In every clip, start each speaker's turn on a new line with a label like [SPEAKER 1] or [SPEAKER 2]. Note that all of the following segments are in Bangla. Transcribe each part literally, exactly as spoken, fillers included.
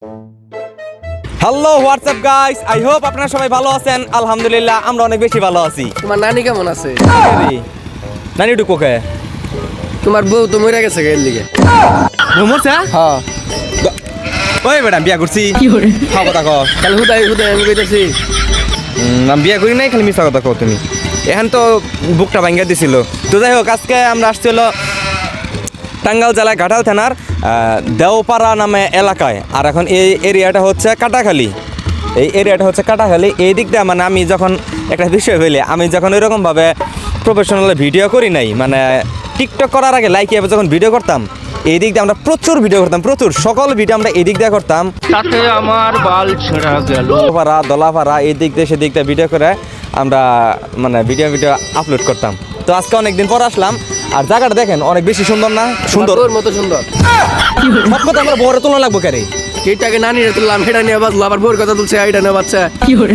[SPEAKER 1] Hello WhatsApp guys, I hope আপনারা সবাই ভালো আছেন। আলহামদুলিল্লাহ আমরা অনেক বেশি ভালো আছি।
[SPEAKER 2] তোমার নানি কেমন আছে?
[SPEAKER 1] নানি একটু কোকে
[SPEAKER 2] তোমার বউ তো মরে গেছে এর লিগে।
[SPEAKER 1] মরছে?
[SPEAKER 2] হ্যাঁ।
[SPEAKER 1] ওই ম্যাডাম বিয়া করছি। কি করে খাও কথা কও?
[SPEAKER 2] তাহলে হুদাই হুদাই আমি কইতাছি
[SPEAKER 1] আমি বিয়া করি নাই, খালি মিথ্যা কথা কও তুমি। এখন তো বুকটা ভাঙ্গা দিছিল। তো যাই হোক, আজকে আমরা আসছি হলো টাঙ্গাইল জেলায় ঘাটাল থানার দেওপাড়া নামে এলাকায়। আর এখন এই এরিয়াটা হচ্ছে কাটাখালী। এই এরিয়াটা হচ্ছে কাটাখালী। এই দিক দিয়ে মানে আমি যখন একটা বিষয় হইলে আমি যখন ওইরকমভাবে প্রফেশনাল ভিডিও করি নাই, মানে টিকটক করার আগে লাইক এভাবে যখন ভিডিও করতাম, এই দিক দিয়ে আমরা প্রচুর ভিডিও করতাম, প্রচুর সকল ভিডিও আমরা এই দিক দিয়ে করতাম।
[SPEAKER 3] তাতে আমার বাল ছেঁড়া গেল।
[SPEAKER 1] পাড়া দলাপাড়া এই দিক দিয়ে সেদিক দিয়ে ভিডিও করে আমরা মানে ভিডিও ভিডিও আপলোড করতাম। তো আজকে অনেকদিন পর আসলাম, আর জায়গাটা দেখেন অনেক বেশি সুন্দর না? সুন্দর,
[SPEAKER 2] তোর মতো সুন্দর।
[SPEAKER 1] সব কথা আমরা বড় তুলনা লাগবো কেরে?
[SPEAKER 2] কেটাকে নানি রে তুললাম, হেডা নিয়ে বাজলো, আবার বউর কথা তুলছে, আইডা নিয়ে বাচ্চা
[SPEAKER 1] কি করে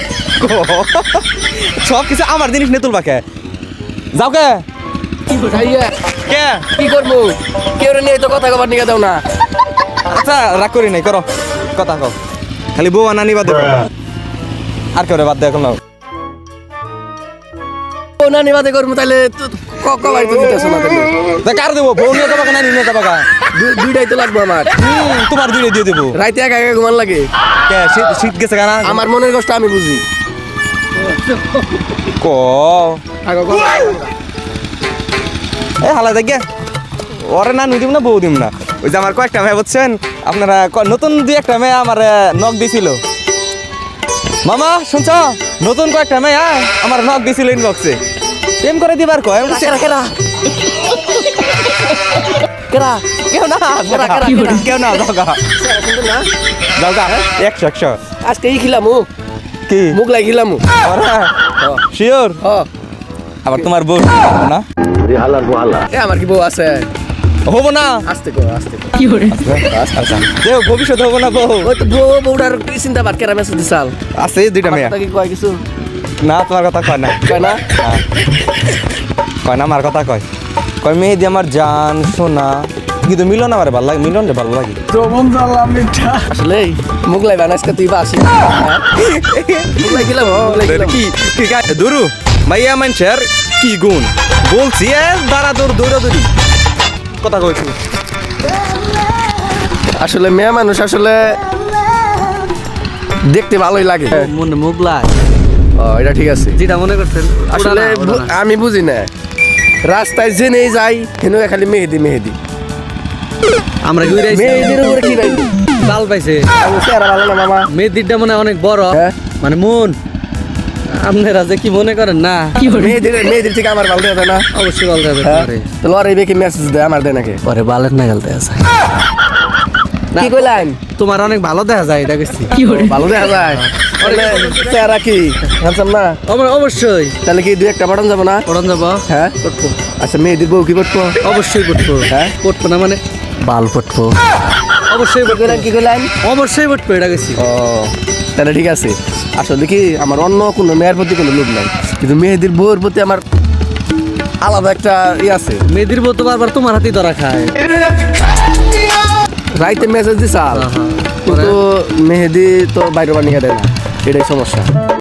[SPEAKER 1] সব কিছু আমার জিনিস নিয়ে তুলবা কে? যাও কে
[SPEAKER 2] যাইয়া
[SPEAKER 1] কে
[SPEAKER 2] কি করবো? কেউ নিয়ে তো কথা কবার নিয়ে দাও না।
[SPEAKER 1] আচ্ছা রাগ করি নাই, করো কথা কও। খালি বউ আর নানি বাদ দেবো, আর কেউ বাদ দেয় এখন।
[SPEAKER 2] ও নানি বাদে করবো তাহলে কবার তো দিতেছ না তাহলে?
[SPEAKER 1] তা কার দেবো? বউ নিয়ে যাবা নানি নিয়ে যাবা?
[SPEAKER 2] দুই- দুইটাই তো লাগবে আমার।
[SPEAKER 1] হুম, তোমার দুইটা দিয়ে দেবো।
[SPEAKER 2] রাইতে একা একা ঘুমান লাগে।
[SPEAKER 1] কে শীত শীত গেছে কেনা?
[SPEAKER 2] আমার মনের কষ্ট আমি বুঝি।
[SPEAKER 1] ক
[SPEAKER 2] আগো কও।
[SPEAKER 1] এ হালা দেখ ওরে না দিব না, বউ দিব না। ওই যে আমার কয়েকটা মেয়ে বুঝছেন আপনারা, ক- নতুন দুই একটা মেয়ে আমার নখ দিছিল। মামা শুনছ, নতুন কয়েকটা মেয়ে আমার নখ দিছিল ইনবক্সে, প্রেম করে দিবার কয়। আমি বলছি,
[SPEAKER 2] কেরা কেরা কেরা
[SPEAKER 1] কেউ না
[SPEAKER 2] কেরা, কেরা, কেরা?
[SPEAKER 1] কেউ না, যাও গা
[SPEAKER 2] সুন্দর না?
[SPEAKER 1] যাও গা একশো একশো।
[SPEAKER 2] আজকে ই খিলাম
[SPEAKER 1] কি
[SPEAKER 2] মুখ লাই খিলাম।
[SPEAKER 1] শিওর? আবার তোমার বউ না?
[SPEAKER 2] এ আমার কি বউ আছে?
[SPEAKER 1] হবো না?
[SPEAKER 2] আস্তে কো আস্তে কো।
[SPEAKER 1] আচ্ছা দেও, ভবিষ্যতে হবো না বউ?
[SPEAKER 2] ওই তো বউ বউটার কি চিন্তা বাদ কেরা মেসেজ দিছাল?
[SPEAKER 1] আছে দুইটা মেয়ে।
[SPEAKER 2] কথা কি কয় কিছু?
[SPEAKER 1] না তোমার কথা কয় না,
[SPEAKER 2] কয় না?
[SPEAKER 1] কয় না আমার কথা কয়। কয় মেহেদি আমার জান সোনা, কিন্তু মিলন আমার ভালো লাগে, মিলন রে ভালো লাগে।
[SPEAKER 2] আসলে মুখ লাই বানাইছে তুই বাসি। মুখ লাই খিলাম মুখ লাই খিলাম।
[SPEAKER 1] কি ঠিক আছে দুরু ভাইয়া মানুষের কি গুণ বলছি, এ দাঁড়া দৌড় দৌড়া দৌড়ি কথা কইছি।
[SPEAKER 2] আসলে মেয়ে মানুষ আসলে দেখতে ভালোই লাগে।
[SPEAKER 3] মনে মুখ লাগ
[SPEAKER 2] ও এটা ঠিক আছে।
[SPEAKER 3] যেটা মনে করছেন
[SPEAKER 2] আসলে বু- আমি বুঝি না, রাস্তায় জেনেই যাই হেন খালি মেহেদি মেহেদি
[SPEAKER 3] আমরা ঘুরে আইছি,
[SPEAKER 2] মেহেদির উপরে কি রাখবি?
[SPEAKER 3] চাল পাইছে।
[SPEAKER 2] আমি চেহারা ভালো না মামা।
[SPEAKER 3] মেয়েদিরটা মনে হয় অনেক বড়,
[SPEAKER 2] হ্যাঁ।
[SPEAKER 3] মানে মন। আপনারা যে কি মনে করেন না,
[SPEAKER 2] মেহেদির মেহেদির থেকে আমার ভালো দেয় না।
[SPEAKER 3] অবশ্যই বলতে হবে।
[SPEAKER 2] হ্যাঁ তো লড়াই বেশি মেসেজ দেয় আমার দেয় নাকি?
[SPEAKER 3] পরে বালের না গেলতে আছে।
[SPEAKER 2] কি কইলেন?
[SPEAKER 3] তোমার অনেক ভালো দেখা যায়, এটা গেছি।
[SPEAKER 2] ভালো দেখা যায়। তাহলে চেহারা কি হ্যান্ডসাম না?
[SPEAKER 3] অব- অবশ্যই
[SPEAKER 2] তাহলে কি দুই একটা বাটন যাবো না?
[SPEAKER 3] পড়ন যাব।
[SPEAKER 2] হ্যাঁ
[SPEAKER 3] পড়বো,
[SPEAKER 2] আচ্ছা মেহেদির বউ কি পড়বো?
[SPEAKER 3] অবশ্যই পড়বো।
[SPEAKER 2] হ্যাঁ?
[SPEAKER 3] পড়বো না মানে বাল পড়বো, অবশ্যই
[SPEAKER 2] কি
[SPEAKER 3] পড়বো,
[SPEAKER 2] কইলেন কি কইলেন?
[SPEAKER 3] অবশ্যই পড়বো, এটা গেছি।
[SPEAKER 2] ও তাহলে ঠিক আছে। আসলে কি আমার অন্য কোনো মেয়ের প্রতি কোনো লোভ নাই, কিন্তু মেহেদির বউয়ের প্রতি আমার আলাদা একটা ই আছে।
[SPEAKER 3] মেয়েদির বউ তো বারবার তোমার হাতেই ধরা খায়।
[SPEAKER 2] রাইতে মেসেজ দিছাল,
[SPEAKER 3] আহা,
[SPEAKER 2] কিন্তু মেহেদি তো বাইরে বানিয়ে দেয় না, এটাই সমস্যা।